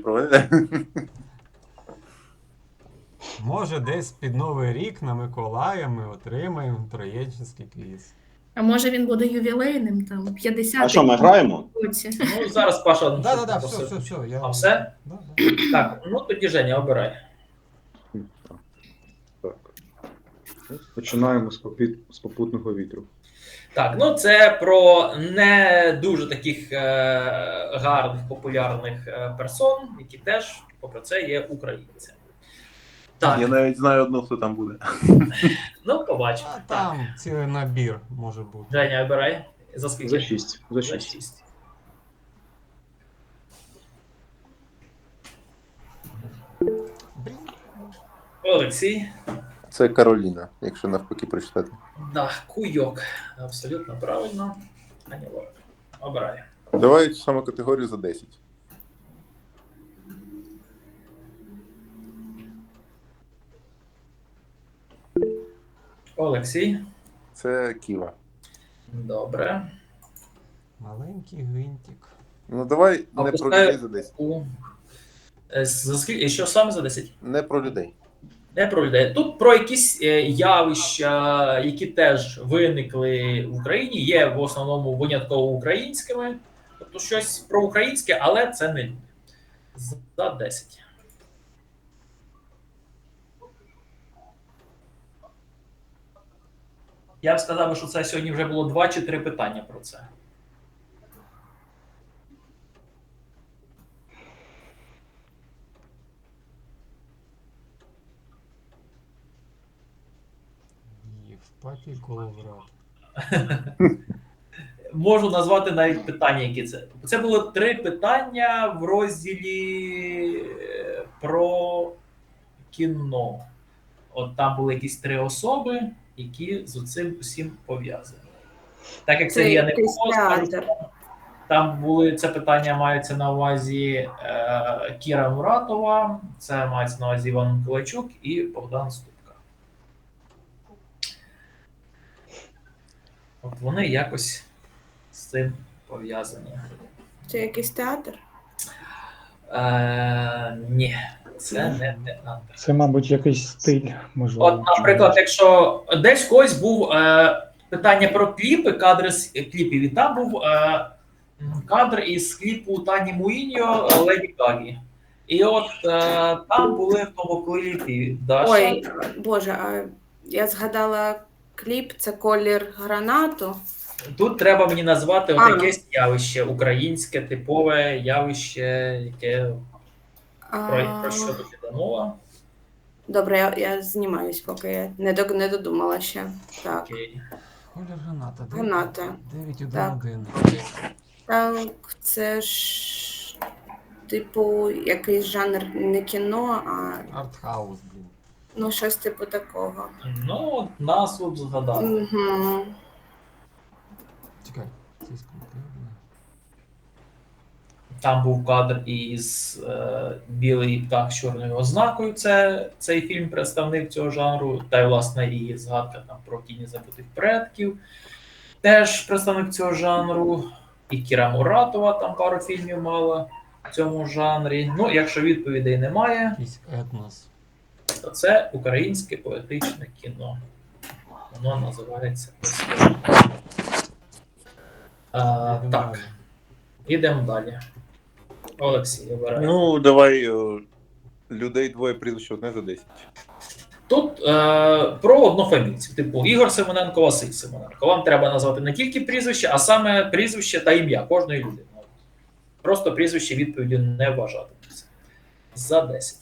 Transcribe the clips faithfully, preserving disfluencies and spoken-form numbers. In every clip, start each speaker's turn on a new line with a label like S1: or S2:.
S1: проведе.
S2: Може, десь під Новий рік на Миколая ми отримаємо троєчинський квіз.
S3: А може він буде ювілейним, там, п'ятдесят
S4: А що, ми граємо?
S3: році.
S5: Ну, зараз Паша... ну,
S2: Да,
S5: що
S2: да, да,
S5: ти
S2: все,
S5: просив?
S2: все, все. Я...
S5: А все?
S2: Да, да.
S5: Так, ну тоді Женя, обирай.
S6: Так. Починаємо з, попіт... з попутного вітру.
S5: Так, ну це про не дуже таких е, гарних, популярних е, персон, які теж, попри це, є українцями. Так,
S1: Я навіть знаю одну, хто там буде.
S5: ну побачимо.
S2: А
S5: Так.
S2: там цілий набір може бути.
S5: Женя, обирай. За скільки?
S6: За шість. За
S5: За
S6: шість.
S5: шість.
S2: Блін.
S5: Олексій.
S1: Це Кароліна, якщо навпаки прочитати.
S5: Да, куйок. Абсолютно правильно. Аня Лорак. Обирай.
S1: Давай цю саму категорію за десять.
S5: Олексій.
S1: Це Ківа.
S5: Добре.
S2: Маленький гвинтик.
S1: Ну давай не про
S5: Опускаю.
S1: людей за десять.
S5: У... Е, За скільки? Що саме за десять?
S1: Не про людей.
S5: Не про людей. Тут про якісь е, явища, які теж виникли в Україні, є в основному винятково українськими. Тобто щось про українське, але це не люди. За десять. Я б сказав, що це сьогодні вже було два чи три питання про це.
S2: Євпатій Коловрат.
S5: Можу назвати навіть питання, які це. Це було три питання в розділі е, про кіно. От там були якісь три особи, які з цим усім пов'язані. Так як це
S3: Це
S5: я не
S3: якийсь
S5: було, скажу,
S3: театр.
S5: там були це питання мається на увазі е, Кіра Муратова, це мається на увазі Іван Миколайчук і Богдан Ступка. От вони якось з цим пов'язані.
S3: Це якийсь театр?
S5: Е, ні, це не театр.
S7: Це, мабуть, якийсь стиль, можливо.
S5: От, наприклад, якщо десь когось був е, питання про кліпи, кадри з кліпів, і там був е, кадр із кліпу Тані Муїньо Леді Гагі. І от е, там були в тому кліпі Даша.
S3: Ой, Боже, а я згадала кліп, це колір гранату.
S5: Тут треба мені назвати
S3: А.
S5: отаке явище, українське, типове явище, яке про,
S3: А,
S5: про що тут іде мова.
S3: Добре, я, я знімаюсь, поки я не, до, не додумала ще. Так.
S5: Окей.
S2: Колір граната.
S3: Граната.
S2: дев'ять один
S3: Так.
S2: один.
S3: Так, це ж типу якийсь жанр не кіно, а
S2: Артхаус, блін.
S3: ну щось типу такого.
S5: Ну, от назву згадав.
S3: Угу.
S2: Чекай, це конкретно.
S5: Там був кадр із е, білий птах з чорною ознакою. Це цей фільм представник цього жанру. Та й власне і згадка там про тіні забутих предків. Теж представник цього жанру. І Кіра Муратова там пару фільмів мала в цьому жанрі. Ну, якщо відповідей немає,
S2: Якийсь етнос.
S5: то це українське поетичне кіно. Воно називається ось так. А,
S2: Йдемо
S5: так,
S2: далі.
S5: ідемо далі. Олексій, обирай.
S1: Ну, давай о, людей двоє прізвищ одне за десять.
S5: Тут е, про однофамільців, типу Ігор Симоненко, Василь Симоненко. Вам треба назвати не тільки прізвище, а саме прізвище та ім'я кожної людини. Просто прізвище відповіді не вважатиметься. За десять.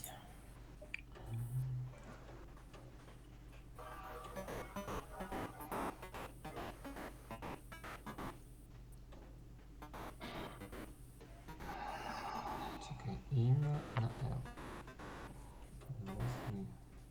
S2: Чекай, ім'я на Л. Власний.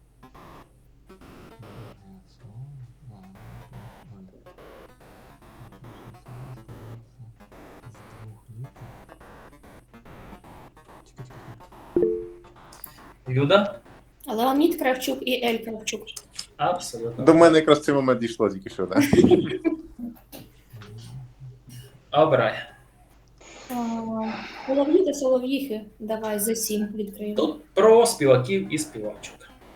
S2: Чекай, чекай.
S5: Люда?
S8: Леонід Кравчук і Ель Кравчук.
S5: Абсолютно.
S1: До мене якраз цей момент дійшло тільки що, так.
S5: Обирай.
S8: А, Солов'ї та солов'їхи. Давай за сім відкриємо.
S5: Тут про співаків і співачок.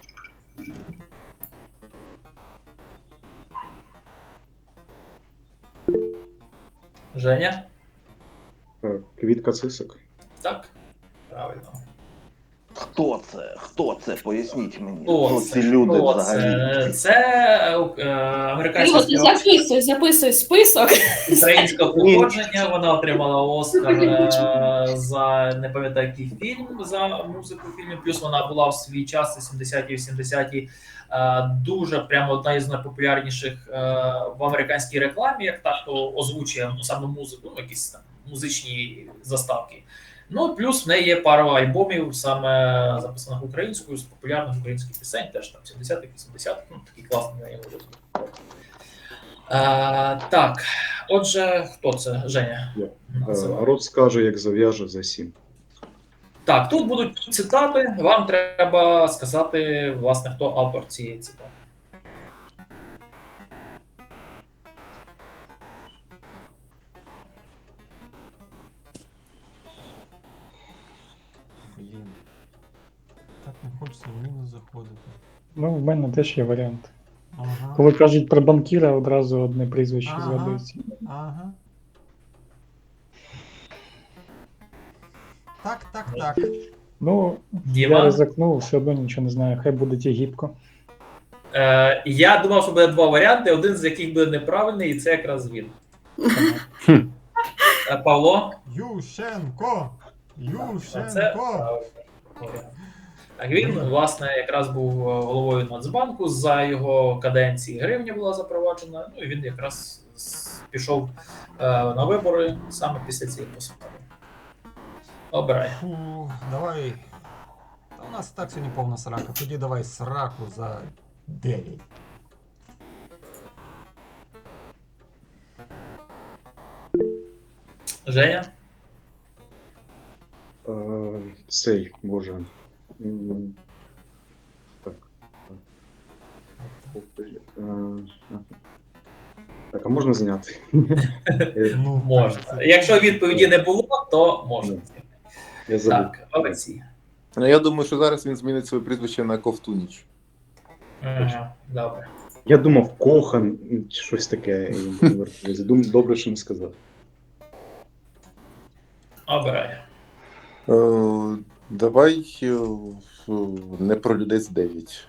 S5: Женя?
S6: Так, Квітка Цисик.
S5: Так? Правильно.
S4: Хто це? Хто це? Поясніть мені.
S5: Хто
S4: Хто
S5: це?
S4: ці люди
S5: Хто
S4: взагалі?
S5: це? Це е, американська
S8: Кирило, ти
S5: співачка
S8: записуй, записуй список.
S5: українського походження. Вона отримала Оскар е, за не пам'ятаю який фільм за музику в фільмі. Плюс вона була в свій час, сімдесяті вісімдесяті, е, дуже прямо одна із найпопулярніших е, в американській рекламі, як так, хто озвучує ну, саме музику, ну якісь там музичні заставки. Ну, плюс в неї є пара альбомів, саме записаних українською, з популярних українських пісень, теж там сімдесятих, вісімдесятих, ну, такі класні на його розвитку. Так, отже, хто це? Женя?
S6: Я.
S5: називав.
S6: Е, Рот скаже, як зав'яже за сім.
S5: Так, тут будуть цитати, вам треба сказати, власне, хто автор цієї цитати.
S2: Блін. Так не хочеться в мінус заходити.
S7: Ну, в мене теж є варіант.
S2: Ага.
S7: Коли кажуть про банкіра, одразу одне прізвище
S2: Ага.
S7: згадується.
S2: Ага. Так, так, так.
S7: Ну, я
S5: Діма?
S7: ризикнув, все одно нічого не знаю. Хай буде Тігіпко.
S5: Е, я думав, що буде два варіанти, один з яких буде неправильний, і це якраз він. Е, Павло?
S2: Ющенко!
S5: Це
S2: Ющенко!
S5: правильно. Так, він, власне, якраз був головою Нацбанку, за його каденції гривня була запроваджена, ну і він якраз з- пішов е, на вибори саме після цієї посади. Обирай.
S2: Фу, давай. Та у нас і так сьогодні повна срака. Тоді давай сраку за дев'ять.
S6: Е,
S5: Женя?
S6: Цей, боже. М, Так. так. Е, Так, а можна зняти? Е,
S2: Ну,
S5: Можна. Якщо відповіді не було, то можна.
S6: Я забув.
S5: Так, Олексій.
S1: Ну, я думаю, що зараз він змінить своє прізвище на Ковтуніч.
S5: Ага, добре.
S6: Я думав, Кохан, чи щось таке. і Дум- Добре, що не сказав.
S5: Обирай.
S1: Е, давай е, не про людей з дев'ять.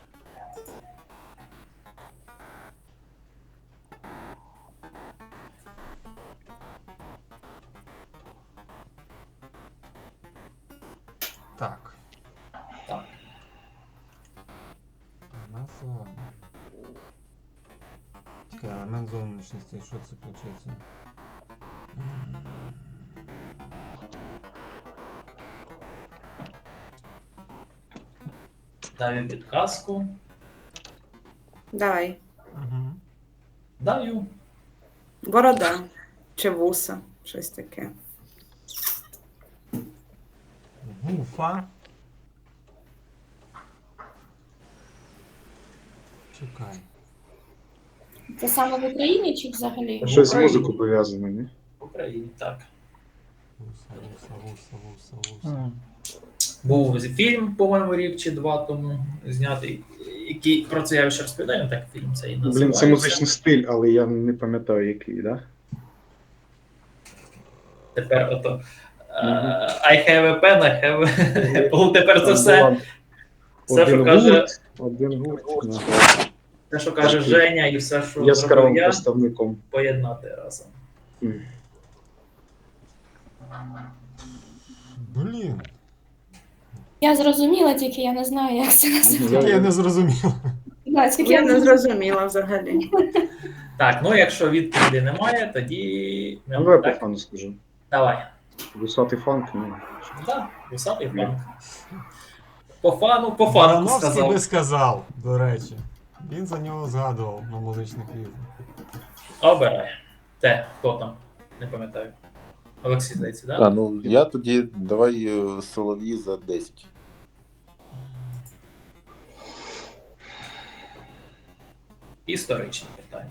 S2: Так.
S5: Так.
S2: Назва. Чекай, елемент зовнішності, що це виходить?
S5: Даю підказку.
S3: Давай.
S2: Угу.
S5: Даю.
S3: Борода. Чи вуса. Щось таке.
S2: Гуфа. Чекай.
S8: Це саме в Україні чи взагалі?
S6: Щось з
S5: Україні.
S6: музикою пов'язане, ні?
S5: В Україні, так.
S2: Вуса, вуса, вуса, вуса, вуса.
S7: А,
S5: Був фільм, по-моєму, рік чи два тому знятий, який про це я ще розповідаю, так фільм цей називається.
S6: Блін, це музичний стиль, але я не пам'ятаю, який, да?
S5: Тепер ото е, I have a pen, I have a apple. Тепер це все, все, що
S6: Один
S5: каже,
S6: гурт, один гурт. да.
S5: все, що каже Женя, і все, що
S6: Яскравим
S5: зробив я,
S6: представником.
S5: поєднати разом.
S6: М.
S2: Блін.
S8: Я зрозуміла, тільки я не знаю, як це називається.
S2: Так я не зрозумів.
S8: Да, тільки
S3: Я
S8: я
S3: не
S8: не
S3: зрозуміла взагалі.
S5: Так, ну якщо відповіді немає, тоді...
S6: Ну, давай по
S5: так,
S6: фану скажу.
S5: давай.
S6: Висотий фанк, ну.
S5: Так, високий фанк. По фану, по фанку
S2: Барановський
S5: сказав.
S2: би сказав, до речі. Він за нього згадував на музичних відео.
S5: Обирай. Те, хто там? Не пам'ятаю. Олексій, здається, так?
S1: А, ну я тоді давай е, Солов'ї за десять.
S5: Історичні питання.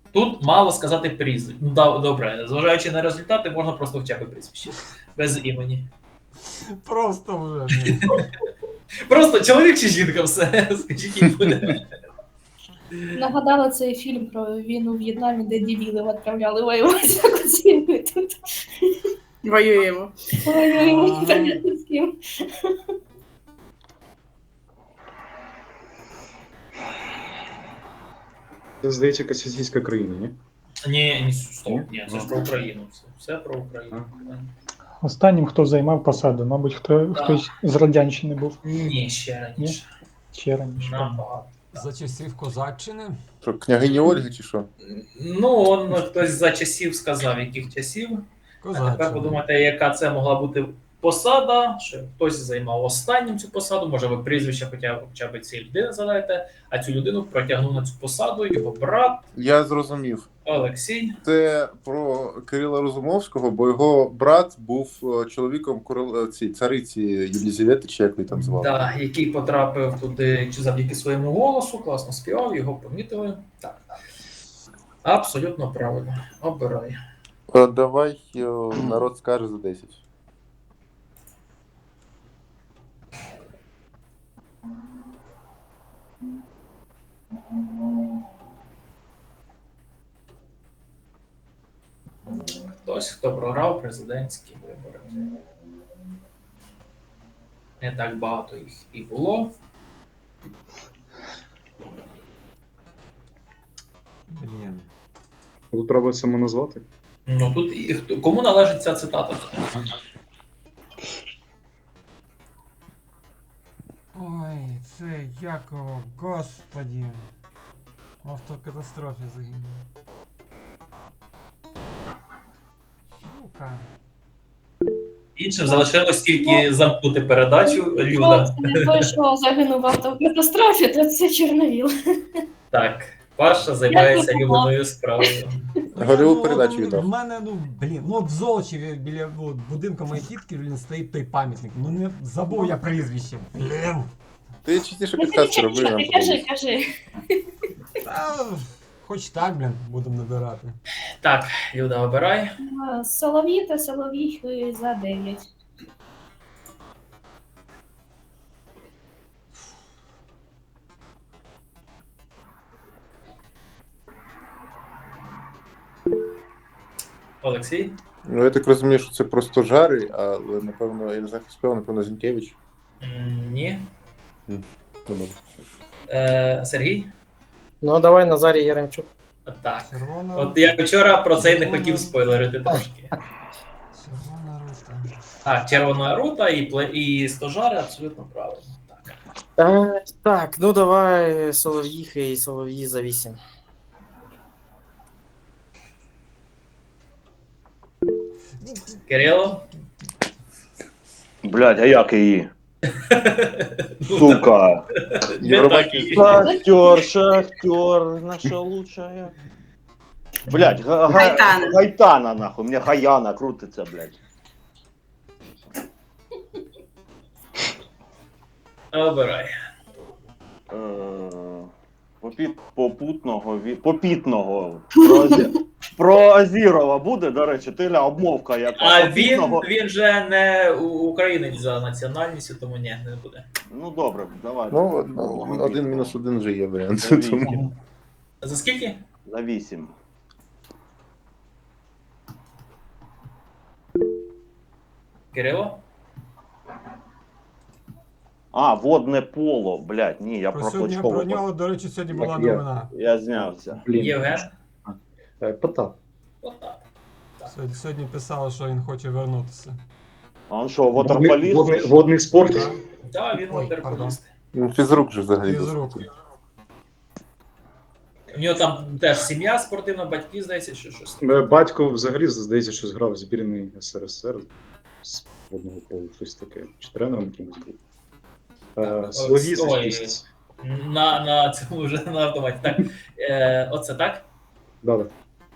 S5: Тут мало сказати прізвище. Ну, да, добре, зважаючи на результати, можна просто хоча б прізвище. Без імені.
S2: Просто вже. блін.
S5: Просто чоловік чи жінка, все. Скажіть, їй буде.
S8: Нагадала цей фільм про війну в В'єтнамі, де дебілів відправляли воювати з оцінкою тут.
S3: Воюємо.
S8: Воюємо
S2: Ага.
S8: непонятно з ким.
S6: Це, здається, якась російська країна, ні?
S5: Ні, ні, стоп, ні, це ж про Україну. Все, все про Україну.
S7: Останнім, хто займав посаду, мабуть, хто, хтось з Радянщини був.
S5: Ні, ще раніше.
S7: Ще раніше.
S5: Набагато.
S2: За часів Козаччини.
S1: Що, княгині Ольги чи що?
S5: Ну, он хтось за часів сказав, яких часів. А тепер
S2: Козаччини.
S5: подумайте, яка це могла бути посада, що хтось займав останнім цю посаду, може ви прізвище хоча, хоча б цієї людини задаєте, а цю людину протягнув на цю посаду його брат
S1: Я зрозумів.
S5: Олексій.
S1: Це про Кирила Розумовського, бо його брат був е, чоловіком корол... ці, цариці Єлізавети, чи як ви там звали.
S5: Да, який потрапив туди чи завдяки своєму голосу, класно співав, його помітили. Так. Абсолютно правильно. Обирай.
S1: Е, Давай е, народ скаже за десять.
S5: Хтось, хто програв президентські вибори. Не так багато їх і було.
S2: Блін.
S6: Тут треба саме назвати.
S5: Ну тут і хто- кому належить ця цитата?
S2: Ой, це Якова, господі. В автокатастрофі загинув. Сука.
S5: Іншим залишилось тільки замкнути передачу.
S8: Ну,
S5: Люда.
S8: це не той, що загинув в автокатастрофі, то це Чорновіл.
S5: Так, Паша займається
S8: Дякую.
S5: улюбленою справою.
S1: Гольову
S2: Ну,
S1: передачу
S2: от
S1: віддав.
S2: В мене, ну, блін, ну от в Золочеві біля ну, от будинку моєї тітки, блін, стоїть той пам'ятник. Ну не забув я прізвище. Блін.
S1: Ти частіше
S8: Ну,
S1: підказки
S8: ти
S1: роби. нам
S8: кажи,
S1: подобається.
S8: кажи.
S2: Та, хоч так, блін, будемо набирати.
S5: Так, Люда, обирай.
S8: А, Солов'ї та Солов'їхи за дев'ять.
S5: Олексій.
S1: Ну, я так розумію, що це просто жари, але напевно, я не знаю, хто співав, напевно, Зінкевич.
S5: М, Ні.
S1: Ну, добре.
S5: Е, Сергій?
S9: Ну, давай Назарій Яремчук.
S5: Так.
S2: Червона.
S5: От я вчора про це й не хотів спойлерити трошки.
S2: Червона рута.
S5: А, червона рута і, пле- і стожари абсолютно правильно. Так.
S9: Е, так, ну давай Солов'їхи і Солов'ї за вісім.
S5: Кирило?
S4: Блядь, а як її? Сука.
S5: Не так і-
S4: Шахтер, шахтер, наша лучшая. Блядь, га- га-
S3: Гайтана.
S4: Гайтана, нахуй, мне Гаяна крутиться, блядь.
S5: Обирай.
S4: Е, попіт- Попутного, ві- попітного. Про, Азі- про Азірова буде, до речі, ти ля обмовка яка.
S5: А він,
S4: Попітного-
S5: він же не у- українець за національністю, тому ні, не буде.
S4: Ну добре, давай.
S1: Ну, ну, один мінус один вже є варіант.
S4: За
S1: Тому...
S4: вісім.
S5: За скільки?
S4: За вісім.
S5: Кирило?
S4: А, водне поло, блядь, ні, я
S2: Про,
S4: про
S2: сьогодні,
S4: Клочкова.
S2: про нього, до речі, сьогодні була
S6: Так, я-
S2: новина.
S4: Я знявся.
S6: Блін.
S5: Євген?
S6: Е, Потап.
S5: Отак.
S2: Сьогодні, сьогодні писали, що він хоче вернутися.
S4: А він що,
S6: Водний,
S4: вотерполіст?
S6: водний, водний спорт.
S5: Так, він
S2: Ой,
S5: ватерполіст.
S1: Ну, фізрук же взагалі.
S2: Фізрук.
S1: досить.
S5: У нього там теж сім'я спортивна, батьки, здається, що щось.
S6: Е, Батько взагалі, здається, що зграв в збірний ес ер ес ер з водного полу, щось таке. Чи тренером якимось був. Е, Солов'ї за
S5: Ой.
S6: шість.
S5: На, на цьому вже на автоматі. Так, е, оце так?
S6: Да, да.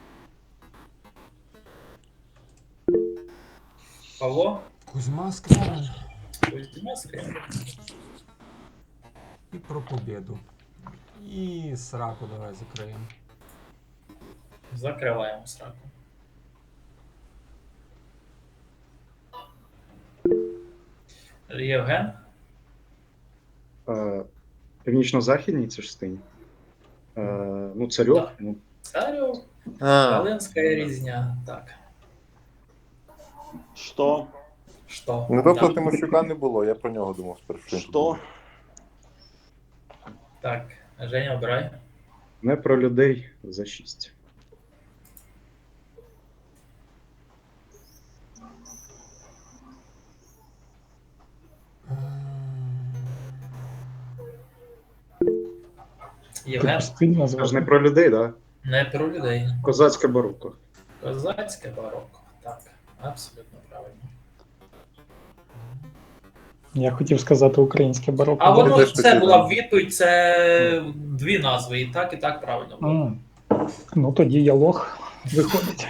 S5: Павло?
S2: Кузьма Скрябин.
S5: Кузьма Скрябин.
S2: І про побіду. І сраку давай закриємо.
S5: Закриваємо сраку. Євген?
S6: Е, Північно-західній частині. Е, ну, царьок.
S5: Так.
S6: Ну,
S5: Царю,
S1: А,
S5: Волинська різня. Так.
S4: Що?
S5: Що?
S1: ну тобто
S5: Так.
S1: Тимощука не було, я про нього думав спершу.
S4: Що?
S5: Так, Женя, обирай.
S6: не про людей за шість.
S5: Євген?
S7: Типу стиль
S6: Це ж не
S7: назвати.
S6: про людей, да?
S5: Не про людей.
S6: Козацьке барокко.
S5: Козацьке барокко. Так, абсолютно правильно.
S7: Я хотів сказати українське барокко.
S5: А
S1: Я
S5: воно
S1: теж
S5: це
S1: хотів,
S5: була
S1: да.
S5: б відповідь, це дві назви, і так, і так правильно було.
S7: М. Ну тоді я лох виходить.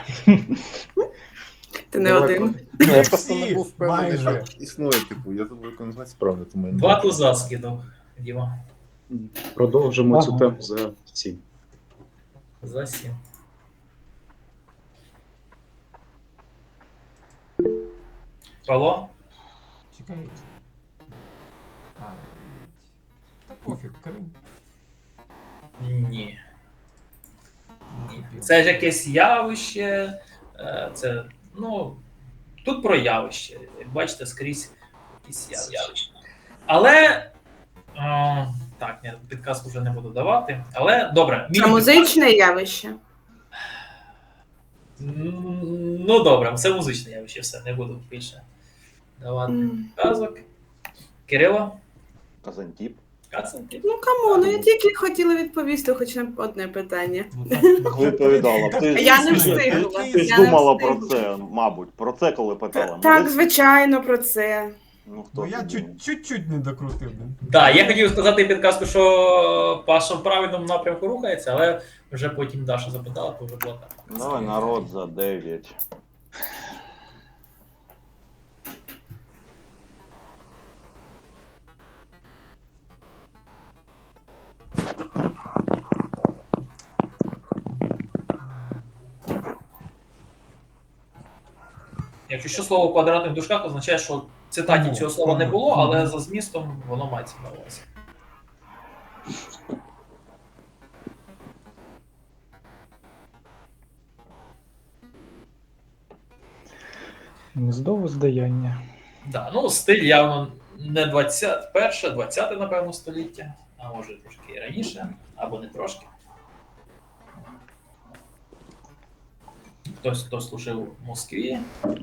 S3: Ти не
S6: Давай,
S3: один.
S1: Ну, я просто не
S2: Всі,
S1: був впевнений,
S2: майже.
S1: що існує, типу, я забув, як він називається правильно, тому я не
S5: Два
S1: знаю.
S5: туза скинув, Діма.
S6: Продовжимо цю
S7: Ага.
S6: тему за сім.
S5: За сім. Павло?
S2: Чекай. А, та пофіг, Крим.
S5: Ні. Ні. Це ж якесь явище. е, Це, ну, тут про явище. Як бачите, скрізь якісь явища. Але. е, Так, ні, підказку вже не буду давати. Але добре.
S3: Це
S5: міні-
S3: музичне явище.
S5: М, Ну добре, це музичне явище, все, не буду більше давати
S3: М.
S5: підказок. Кирило?
S4: Казантіп.
S5: Кацанки?
S3: Ну камон, ну я тільки хотіла відповісти хоч на одне питання.
S2: Ну, так,
S4: Відповідала. Ти,
S3: Я не
S4: ти-
S3: встигла.
S4: Ти ж
S3: Я не
S4: думала про
S3: встигла.
S4: це, мабуть. Про це коли питала.
S3: Так,
S4: Молодець.
S3: звичайно, про це.
S4: Ну, хто
S2: Ну я
S4: ж
S2: чуть-
S4: думає?
S2: чуть-чуть не докрутив. блін.
S5: Так, я хотів сказати підказку, що Паша в правильному напрямку рухається, але вже потім Даша запитала, то вже була так.
S4: Давай народ за дев'ять.
S5: Якщо що слово в квадратних дужках означає, що в цитаті
S2: Ну,
S5: цього слова не
S2: ну,
S5: було,
S2: ну.
S5: але за змістом воно мається на увазі.
S7: Гніздо воздаяння.
S5: Да, ну стиль явно не двадцяте, перше, двадцяте, напевно, століття, а може трошки і раніше, або не трошки. Хтось, хто служив в Москві,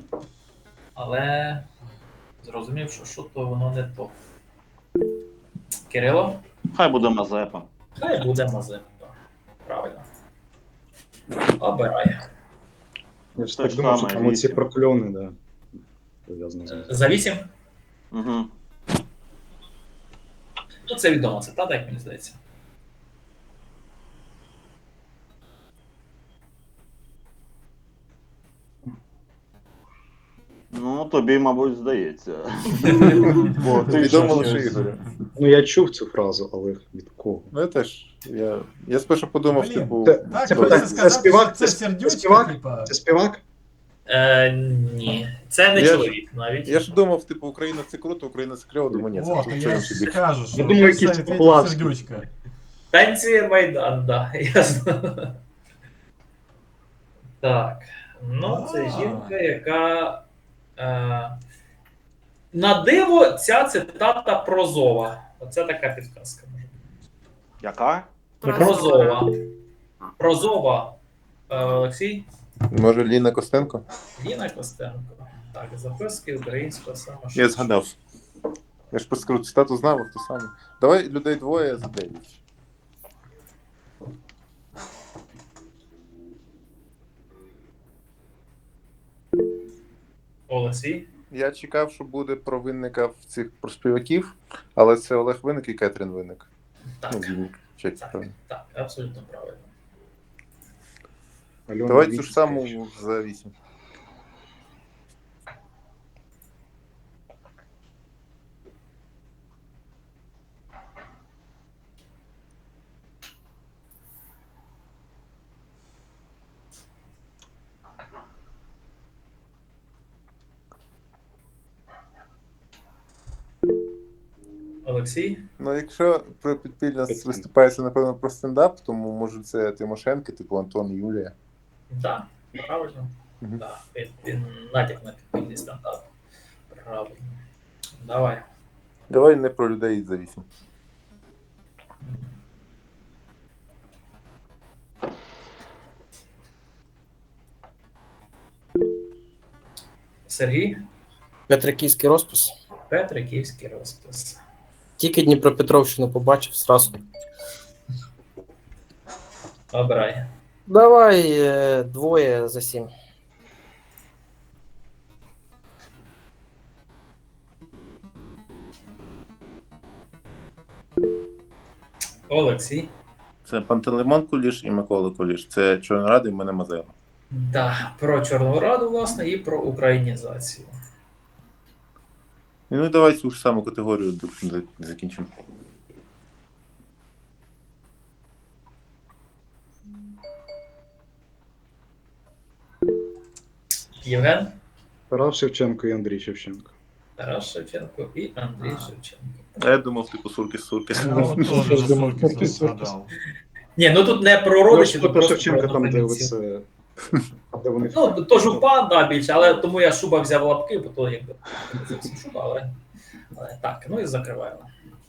S5: але зрозумів, що що то воно не то. Кирило?
S4: Хай буде Мазепа.
S5: Хай буде Мазепа. Правильно. Обирай.
S6: Я ж
S4: Те
S6: так
S4: ж
S6: думав, що
S4: саме,
S6: там оці
S4: вісім.
S6: прокльони, да. Пов'язано з ним.
S5: За вісім?
S4: Угу.
S5: Ну, це відома цитата, як мені здається.
S4: Ну, тобі, мабуть, здається. Бо ти
S1: Відомо
S4: ж
S1: лише
S4: щось-
S1: Ігорю.
S6: Ну, я чув цю фразу, але від кого?
S1: Ну я теж. Я, я спершу подумав,
S2: Блін,
S1: типу.
S6: це-
S2: Так,
S6: Це
S2: хочеться
S6: питання, це
S2: сказати,
S6: співак?
S2: що це
S6: Це- це
S2: сердючка,
S6: співак?
S2: типа.
S6: Це співак?
S5: Е, ні, це не
S1: Я ж-
S5: чоловік навіть.
S1: Я ж думав, типу, Україна це круто, Україна це кльово, думаю, ні, це
S2: О,
S1: що
S2: то
S1: що
S2: я
S1: інший
S2: ж
S1: бік.
S2: скажу, що
S6: Я думаю,
S2: це
S6: якийсь
S2: відповідь
S6: Поплавський.
S2: сердючка.
S5: Танці Майдан, да, ясно. Так. Ну, це
S2: А.
S5: жінка, яка. Е, на диво, ця цитата прозова. Оце така підказка може бути.
S4: Яка?
S5: Прозова. Прозова. Е, Олексій?
S1: Може, Ліна Костенко?
S5: Ліна Костенко. Так, записки українського саме.
S1: Я згадав. Я ж просто скажу, цитату знав, а хто саме. Давай людей двоє за дев'ять.
S5: Олексій.
S1: Я чекав, що буде про винника в цих про співаків, але це Олег Винник і Кетрін Винник.
S5: Так,
S1: Ну, Вінник. Чек,
S5: так,
S1: правильно.
S5: так, абсолютно правильно.
S6: Альона
S1: Давай цю ж
S6: Вінницька.
S1: саму за вісім.
S5: Олексій?
S1: Ну, якщо про підпільно виступається, напевно, про стендап, тому може це Тимошенко, типу Антон і Юлія.
S5: Так, правильно.
S1: Мгм.
S5: Да, він, він натяк на підпільний стендап. Правильно. Давай.
S1: Давай не про людей за вісім.
S5: Сергій?
S9: Петриківський розпис.
S5: Петриківський розпис.
S9: Тільки Дніпропетровщину побачив зразу.
S5: Обирай.
S9: Давай е, двоє за сім.
S5: Олексій?
S1: Це Пантелеймон Куліш і Микола Куліш. Це Чорнорада і мене Мазайло.
S5: Да, про Чорну Раду, власне, і про українізацію.
S1: Ну і давай цю ж саму категорію до- закінчимо.
S5: Євген?
S6: Тарас Шевченко і Андрій Шевченко.
S5: Тарас Шевченко і Андрій Шевченко.
S1: А я думав, типу Суркіс-Суркіс.
S2: Я от
S7: Я
S2: теж
S7: ж думав,
S2: Суркіса
S7: Куртис, Суркіс.
S2: згадав.
S5: Ні, ну тут не про
S6: Ну,
S5: родичів,
S6: що
S5: тут
S6: про
S5: просто
S6: Шевченка
S5: про
S6: там, де
S5: однодумців.
S6: оце... Де вони...
S5: Ну, то жупа, да, більше, але тому я шуба взяв лапки, бо то якби не зовсім шуба, але, але так, ну і закриваємо.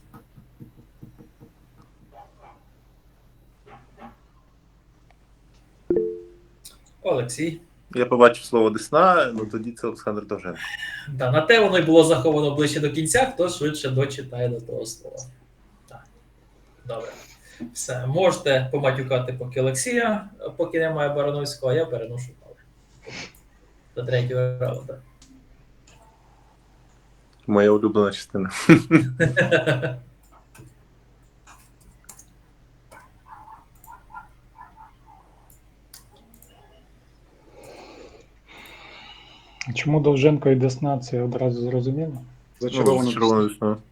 S5: Олексій.
S1: Я побачив слово Десна, ну тоді це Олександр Довженко.
S5: Да, на те воно й було заховано ближче до кінця, хто швидше дочитає до того слова. Так. Добре. Все, можете поматюкати поки Олексія, поки немає Барановського, а я переношу Павла. До третього раунду.
S1: Моя улюблена частина.
S7: Чому Довженко і Десна, це одразу зрозуміло?
S6: Зачаровано.
S1: Червоною Десною.